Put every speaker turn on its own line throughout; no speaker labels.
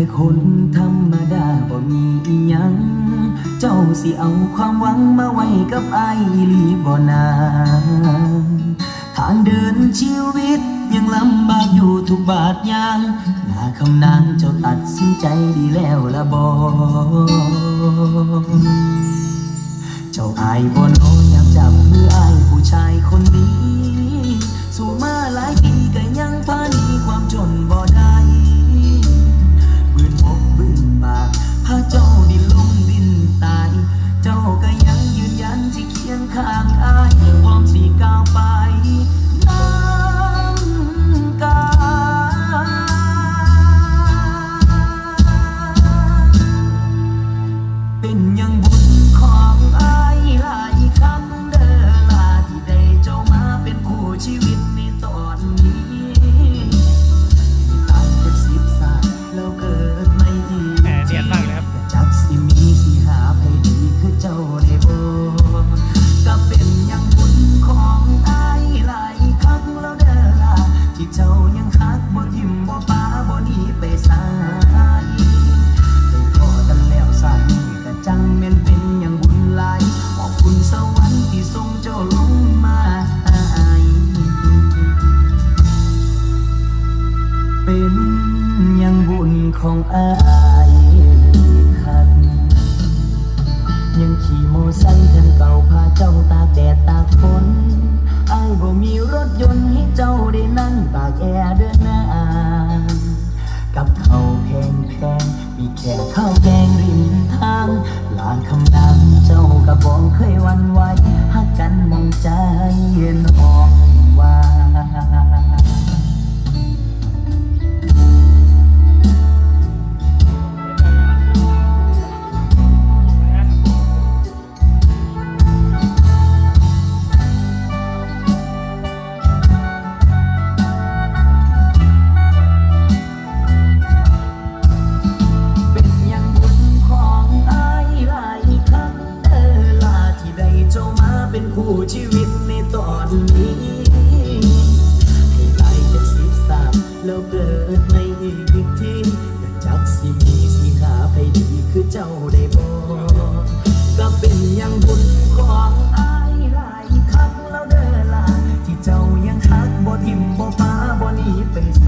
คนธรรมดาบ่มีอิหยังเจ้าสิเอาความหวังมาไว้กับอ้ายอีหลีบ่นาทางเดินชีวิตยังลำบากอยู่ทุกบาทยางหน้าคำนางเจ้าตัดสินใจดีแล้วละบ่เจ้าอายบ่น้อยามจับมืออ้ายผู้ชายคนนี้สู่มาหลายปีก็ยังพาหนีความจนบ่ได้บืนอกบืนปากพาเจ้าดินลมดินตายเจ้าก็ยังยืนยันสิเคียงข้างอ้ายพร้อมสิก้าวไปน้ำกาเป็นยังบุญของอ้ายหลายครั้งเด้อลาที่ได้เจ้ามาเป็นคู่ชีวิตในตอนนี้ตายจาก10 ศาสตร์แล้วเกิดไม่อีก
เนียนมากเลยครับ
จักสิมีสิหาให้ดีคือเจ้าได้บ่ก็เป็นยังบุญของอ้ายหลายครั้งแล้วเด้อล่ะที่เจ้ายังฮักบ่ทิ่มบ่ปาบ่หนีไปไสได้พอกันแล้วสามีก็จังแม่นเป็นยังบุญหลายขอบคุณสวรรค์ที่ส่งเจ้าลงมาเป็นยังบุญของอ้ายคันยังขี่โมไซค์คันเก่าพาเจ้าตากแดดตากฝนอ้ายบ่มีรถยนต์ให้เจ้าได้นั่งตากแอร์เดินหน้ากับข้าวแพงมีแค่ข้าวแกงริมทางลาคำดังเจ้าก็บ่เคยหวั่นไหวฮักกันมองใจน้องว่าคู่ชีวิตในตอนนี้ให้ตายจาก10 ศาสตร์แล้วเกิดในอีกทีก็จักสิมีสิหาให้ดีคือเจ้าได้บ่ก็เป็นยังบุญของอ้ายหลายครั้งแล้วเด้อล่ะที่เจ้ายังฮักบ่ทิ่มบ่ปาบ่หนีไปไส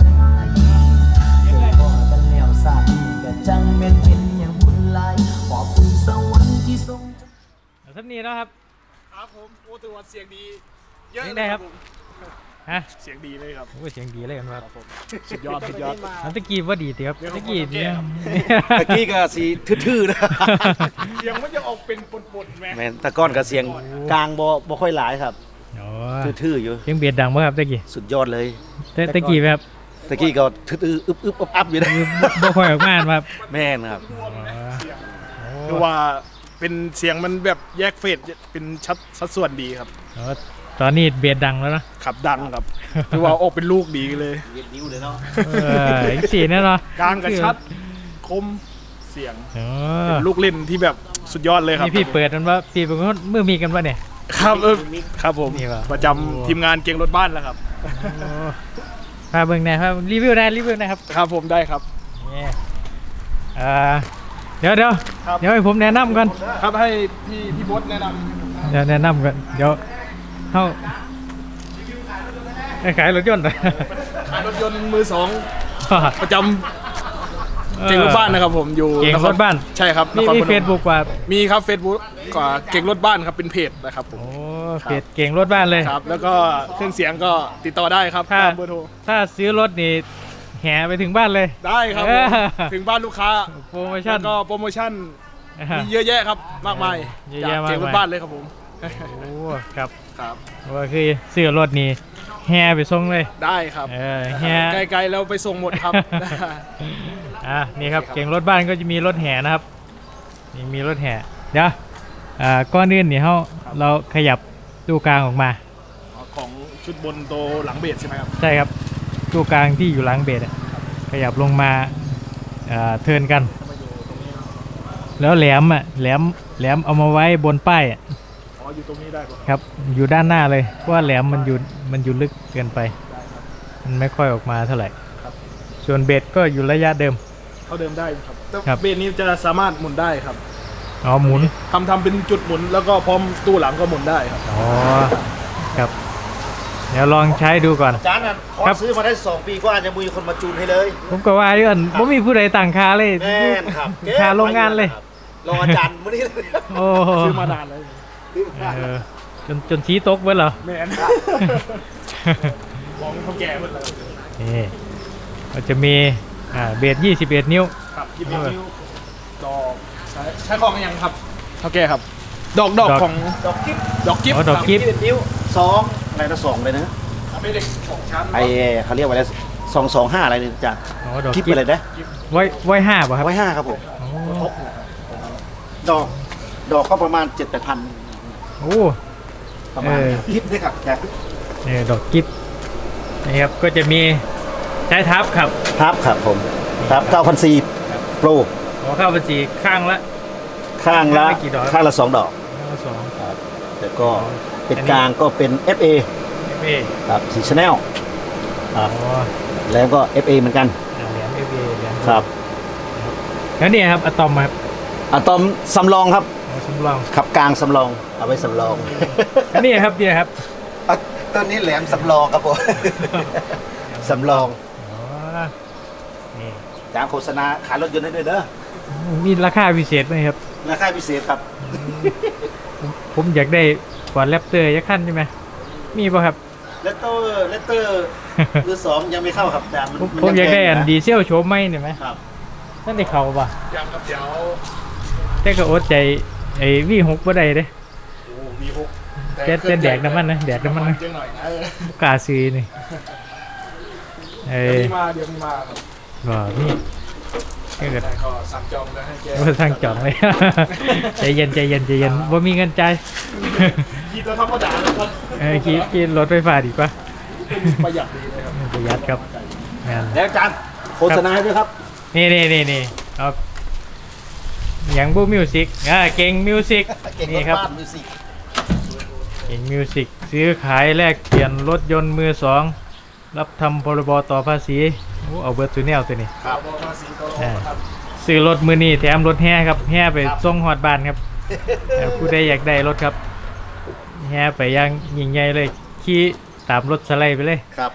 ได้พอกันแล้วสามีก็จังแม่นเป็นยังบุญหลายขอบคุณสวรรค์ที่ทรง
ท่านนี้นะครับ
ครับผมโอ้ถือว่าเสียงดีเยอะ
เลยครับฮะ
เสียงดีเลยครับ
โอ้เสียงดีเลยครับ
สุดยอด
ตะกี้ว่าดีเตี๋ยวตะกี้เนี่ย
ตะกี้ก็สีทื่อๆนะ
เสียงมันจะออกเป็นปนๆ
แม่ตะก้อนกับเสียงกลางบ่ค่อยหลายครับทื่อๆอยู่
เสียงเบียดดังมั้ยครับตะกี้
สุดยอดเลย
ตะกี้ครับ
ตะกี้ก็ทื่อๆอึบๆอับๆอยู่นะ
บ่ค่อยออกมาครับ
แม่นครับ
คือว่าเป็นเสียงมันแบบแยกเฟสเป็นสัดส่วนดีครับ
ตอนนี้เบียดดังแล้วนะ
ขับดังครับคือว่าออกเป็นลูกดีเลย
เบียดนิ้วเลยเนาะ
อีกสีแน่นอน
กลางกับชัดคมเสียงเป็นลูกเล่นที่แบบสุดยอดเลยครับ
นี่พี่เปิดมันว่าพี่เป็นคนมือมีกันป่ะเนี่ย
ครับครับผมประจำทีมงานเก่งรถบ้านแล้วครับ
พาเบิ่งหน่อยครับรีวิวนะครับ
ครับผมได้ครับ
เดี๋ยวให้ผมแนะนำก่อน
ครับให้พี่บดแนะนำ
เดี๋ยวแนะนำก่อนเดี๋ยวเข้าขายรถยนต์
ขายรถยนต์มือ2ประจำเก่งรถบ้านนะครับผมอยู่
เก่งรถบ้าน
ใช่ครับ
มีเฟซบุ๊กว่า
มีครับเฟซบุ๊กกว่าเก่งรถบ้านครับเป็นเพจนะครับผม
โอ้เพจเก่งรถบ้านเลย
ครับแล้วก็เครื่องเสียงก็ติดต่อได้ครับ
ตามเบอร์โทรถ้าซื้อรถนี่แห่ไปถึงบ้านเลย
ได้ครับถึงบ้านลูกค้า
โปรโมชั่น
ก็โปรโมชั่นมีเยอะแยะครับมากมายจากเก่งรถบ้านเลยครับผม
โอ้ครับ
ครับ
ว่าคือซื้อรถนี่แห่ไปส่งเลย
ได้ครับ
แห่
ไกลๆแล้วไปส่งหมดครับ
นี่ครับเก่งรถบ้านก็จะมีรถแห่นะครับนี่มีรถแห่เดี๋ยวก้อนอื่นนี่เราขยับตู้กลางออกมา
ของชุดบนโตหลังเบสใช่ไหมครับ
ใช่ครับตู้กลางที่อยู่หลังเบสขยับลงมาเทิร์นกันแล้วแหลมเอามาไว้บนป้าย
อยู่ตรงนี้ได้
ครับอยู่ด้านหน้าเลยเพราะว่าแหลมมันอยู่ลึกเกินไปมันไม่ค่อยออกมาเท่าไหร่ส่วนเบสก็อยู่ระยะเดิม
เท่าเดิมได้ครับแต่
ครับ
เบสนี้จะสามารถหมุนได้ครับ
อ๋อหมุน
ทำเป็นจุดหมุนแล้วก็พร้อมตู้หลังก็หมุนได้ครับ
อ๋อครับเดี๋ยวลองใช้ดูก่อน
อาจารย์น่ะขอ
ครับ
ซื้อมาได้2 ปีก็อาจจะมีคนมาจูนให้เลย
ผมก็ว่าอยู่อันบ่มีผู้ใดต่างค่าเลย
แม่นครับ
ค่าโรงงานเลย
รออาจารย์มื้อนี้เลย
โอ้
ซื้อมานานแล้ว
เออจนชี้ตกเบิดเหรอ
แม่นมองเขาแก่หมดเลย
นี่ก็จะมีเบส21 นิ้ว
ครับยิบนิ้วดอกใช้ของยังครับเขาแก่ครับ ดอกของ
ดอกกิ๊บ
ดอกกิ๊บ
อ๋อดอกกิ๊บ
21 นิ้ว2อะไรนะ2เลยนะ
เป็นเด็ก2 ชั้น
ไอ้เขาเรียกว่าอะไร225อะไรเนี่ยอาจารย์
อ๋อดอก
กิ๊บ
กิ๊บ
อะไรนะ
ไว้5ป่ะครับ
ไว้5ครับผม
อ๋อ
ดอกก็ประมาณ 7-8 พัน
โอ้
ประมาณนี้กิ๊บนี่ครับแก
ดอกกิ๊บนี่ครับก็จะมีใช้ทับครับ
ครับผมครับ9,400 โปร
ขอเข้าบัญชีข้างละ
ข้างละ
กี่ดอก
ข้างละ2 ดอก
สอง
แต่ก็เป็นกลางก็เป็น FA
เอ
ครับสีชาแนลค
อ๋
รั
อบ
แล้วก็ FA เหมือนกัน
เหรียญเอเหรียญ
ครับ
แล้วนี่ครับอะตอมครับ
อะตอมสำรองครับ
เอาสำรอง
ขับกลางสำรองเอาไว้สำรอง
อันนี้ครับเนี่ยครับ
ต้นนี้แหลมสำรองครับผม สำรอง
อ๋อนี่
จางโฆษณาขายรถยนต์ได้ด้วยเด้อ
มีราคาพิเศษไหมครับ
ราคาพิเศษครับ
ผมอยากได้ฟอร์ดแรปเตอร์ยักษ์ขั้นใช่ไหมมีป่ะครับ
เลตเตอร์มือ2ยังไม่เข้าครับจาง
ผมอยากได้อัน
แพง
ดีเซลโฉมไหมเนี่ยไหม
ครับ
นั่นได้เขาป่ะ
ยังครับเดี๋ยว
แต่ก็อดใจไอ้V6บ่ได้เด้
โอ้มีหก
แต่แดกน้ำมันนะแดกน้ำมันนะ
จังหน่อยนะ
กล้าซื้อนี่เอ้
เดี๋ยวย มีมาครับ
ก็นี่ก็เกิด
แต่ก็สั่งจองแล้วให้แก
ว่าสร้างจองเลย ใจเย็นบ่มีเงินใจาย
คิดตัวธรรมดาเลยครับ
ขี่รถไฟฟ้าดีกว่า
ประหยัดดีเลยครับ
ประหยัดครับงาน
แล้วจานโฆษณาให้ด้วยครับ
นี่เอาอย่างบูมิวสิกเก่งมิวสิก
เก่ง
นี่
รถ
ครับ
บ้านมิวสิก
เก่งมิวสิกซื้อขายแลกเปลี่ยนรถยนต์มือสองรับทำพรบต่อภาษีโอ้เอาเบิร์ตซูเนลตัวนี้
ครับภาษีก็ครับ
ซื้อรถมือนี้แถมรถแห่ครับแห่ไปส่งฮอดบ้านครับผู้ใดอยากได้รถครับแห่ไปอยังยิ่งใหญ่เลยขี่ตามรถสไลด์ไปเลย
ครับ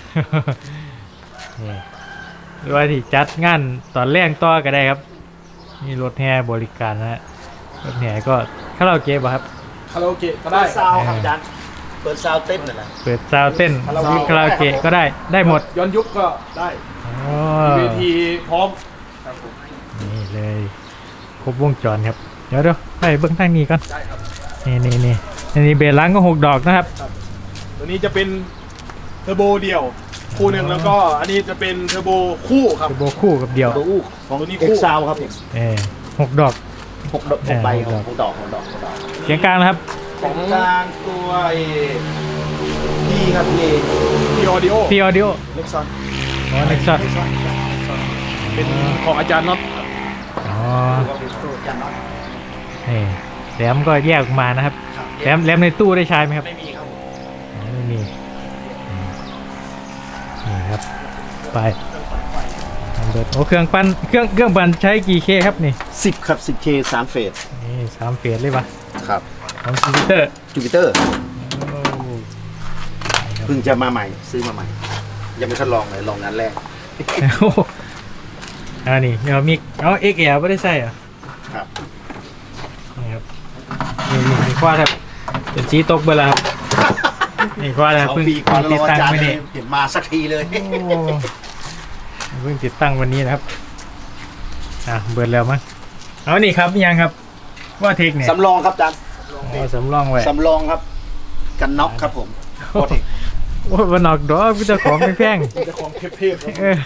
นี่หรือว่าที่จัดงานตอนแรกต่อก็ได้ครับมีรถแห่บริการนะฮะรถแห่ก็คาราโอเกะป่ะครับ
คาราโอเกะก็
เปิ
ได้
ดซาวด์ครับอาจารย์เปิดซาวด์เต้นน่ะนะ
เปิดซาวด์เต้นมีคาราโอเกะก็ได้หมด
ย้อนยุคก็ได้
อ๋อ
เวทีพร้อมครับผม
นี่เลยครบวงจรครับเดี๋ยวไปเบื้องทางนี้ก่อน
ได้ครับ
นี่อันนี้เบสล้างก็6 ดอกนะครับ
ตัวนี้จะเป็นเทอร์โบเดี่ยวคู่หนึ่งแล้วก็อันนี้จะเป็นเทอร์โบคู่ครับ
เทอร์โบคู่กับเดียว
ตัวอู้ของ
ตัวนี้
เอ็
คู่
กซาวครับ
6 ดอก
6 ใบของดอก
เสียงกลางนะครับ
ของกลางตัวพี่ครับพี่
พีออดิโอ
พี่ออดิโอ
เล็กซอน
อ๋อเน็กซัส
เป็นของอาจารย์น็อต
อ๋อ
จันน็อต
นี่แหลมก็แยกออกมานะครับแหลมในตู้ได้ใช้ไหมครับ
ไม่มีครับผม
อ๋อไม่มีนี่ครับไปโอ้เครื่องปั่นเครื่องปั่นใช้กี่เคครับนี่
10ครับ 10K 3 เฟส
นี่3 เฟสเลยปะ
ครับ
ของซูเปอร์
จูปิเตอร์เพิ่งจะมาใหม่ซื้อมาใหม่ ยังไม่ทดลองเลยลองงานแรก
โอ้โหนี่เดี๋ยวมีเอ็กแอลไม่ได้ใส่เหรอ
ครับ
นี่ครับนี่คว้าครับเป็นชี้ตกไปแล้วครับนี่คว้าแล้ว
2
เพิ่ง
ปีก่อน
ติ
ร
ด
อ
ตั้
อางจารย์
ไว้
เล
นี่
ยเห็นมาสักทีเลย
โอ้เพิ่งติดตั้งวันนี้นะครับเบิดแล้วมั้งเอานี่ครับยังครับว่าเทคเนี่ย
สำรองครับอาจารย์
เอาสำรองไว้
สำรองครับ กันน็อกครับผม
โอ้โหวันนอกดอกพี่เจ้าของไม่แพง
เจ้าของเทพๆครับ
เออ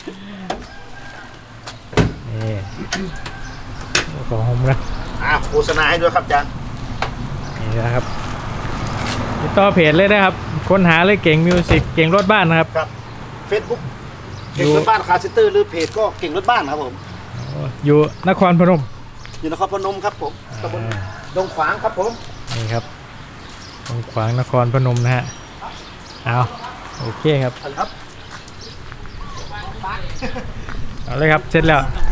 นี่ของผมนะ
โฆษณาให้ด้วยครับอาจารย์
นี่นะครับติดต่อเพจเลยนะครับค้นหาเลยเก่งมิวสิกเก่งรถบ้านนะครับ
ครับ Facebook เก่งรถบ้านคาร์เซนเตอร์หรือเพจก็เก่งรถบ้านครับผม
อยู่นครพนม
อยู่นครพนมครับผมตำบลดงขวางครับผม
นี่ครับตรงขวางนครพนมนะฮะเอาโอเคครับ
ครับ
ไปเอาเลยครับเสร็จแล้ว